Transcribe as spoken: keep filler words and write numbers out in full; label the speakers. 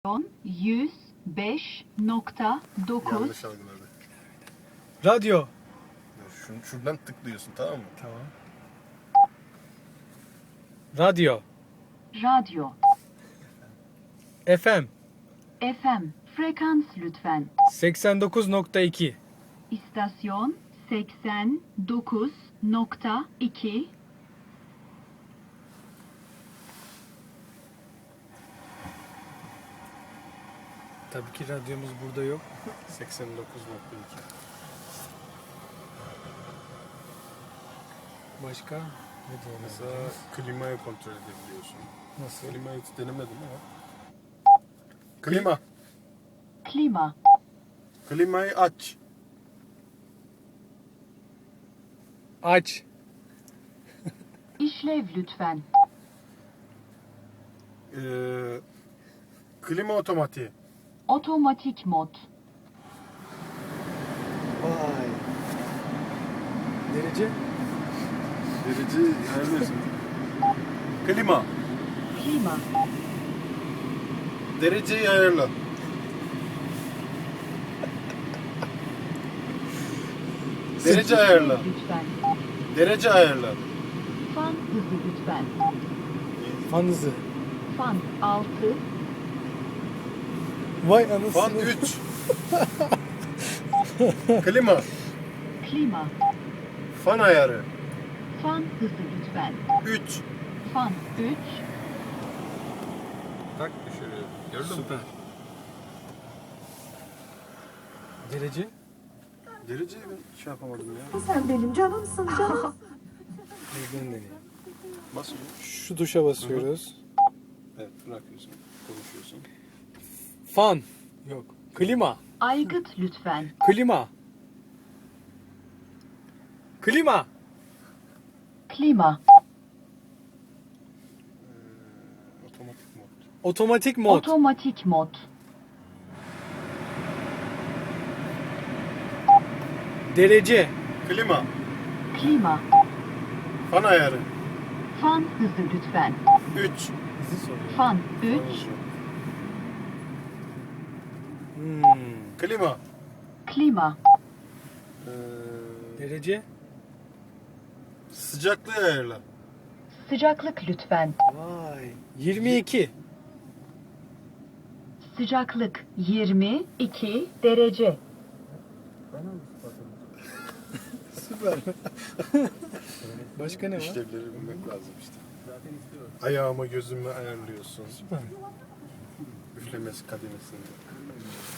Speaker 1: yüz beş nokta dokuz.
Speaker 2: Yanlış algıladı.
Speaker 3: Radyo.
Speaker 2: Şun, şuradan tıklıyorsun, tamam mı?
Speaker 3: Tamam. Radyo.
Speaker 1: Radyo.
Speaker 3: F M.
Speaker 1: F M. Frekans lütfen.
Speaker 3: seksen dokuz nokta iki.
Speaker 1: İstasyon seksen dokuz nokta iki.
Speaker 3: Tabii ki radyomuz burada yok.
Speaker 2: seksen dokuz nokta iki.
Speaker 3: Başka? Ne diyelim?
Speaker 2: Mesela klimayı kontrol edebiliyorsun.
Speaker 3: Nasıl?
Speaker 2: Klimayı hiç denemedim ama. Klima.
Speaker 1: Klima.
Speaker 2: Klimayı aç.
Speaker 3: Aç.
Speaker 1: İşlev lütfen.
Speaker 2: Ee, klima otomatiği.
Speaker 1: Otomatik mod.
Speaker 3: Vay. Derece?
Speaker 2: Derece ayarlıyorsun. Klima.
Speaker 1: Klima.
Speaker 2: Dereceyi ayarla. Derece ayarla.
Speaker 1: İşlev lütfen.
Speaker 2: Derece ayarla.
Speaker 1: Fan hızı lütfen.
Speaker 3: Fan hızı.
Speaker 1: Fan altı.
Speaker 3: Vay anasını.
Speaker 2: Fan üç. Klima.
Speaker 1: Klima.
Speaker 2: Fan ayarı.
Speaker 1: Fan hızı lütfen.
Speaker 2: üç.
Speaker 1: Fan üç.
Speaker 2: Tak düşürüyor. Gördün mü?
Speaker 3: Süper. Derece?
Speaker 2: Dereceyi ben şey yapamadım ya.
Speaker 4: Sen benim canımsın canım.
Speaker 3: Bizden deneyim.
Speaker 2: Basıyor.
Speaker 3: Şu tuşa basıyoruz.
Speaker 2: Evet, bırakıyorsun. Konuşuyorsun.
Speaker 3: Fan. Yok. Klima.
Speaker 1: Aygıt lütfen.
Speaker 3: Klima. Klima.
Speaker 1: Klima.
Speaker 2: Ee, otomatik mod.
Speaker 3: Otomatik mod.
Speaker 1: Otomatik mod.
Speaker 3: Derece.
Speaker 2: Klima.
Speaker 1: Klima.
Speaker 2: Fan ayarı.
Speaker 1: Fan hızı lütfen.
Speaker 2: üç.
Speaker 3: Bizi soruyor.
Speaker 1: Fan üç.
Speaker 3: Hmm.
Speaker 2: Klima.
Speaker 1: Klima.
Speaker 2: Ee,
Speaker 3: Derece.
Speaker 2: sıcaklığı ayarla.
Speaker 1: Sıcaklık lütfen.
Speaker 3: Vay. yirmi iki.
Speaker 1: Sıcaklık yirmi iki derece.
Speaker 3: Süper. Başka ne var?
Speaker 2: İşlevleri bilmek lazım işte. Ayağımı gözümü ayarlıyorsun.
Speaker 3: Süper.
Speaker 2: Üflemesi kademesinde.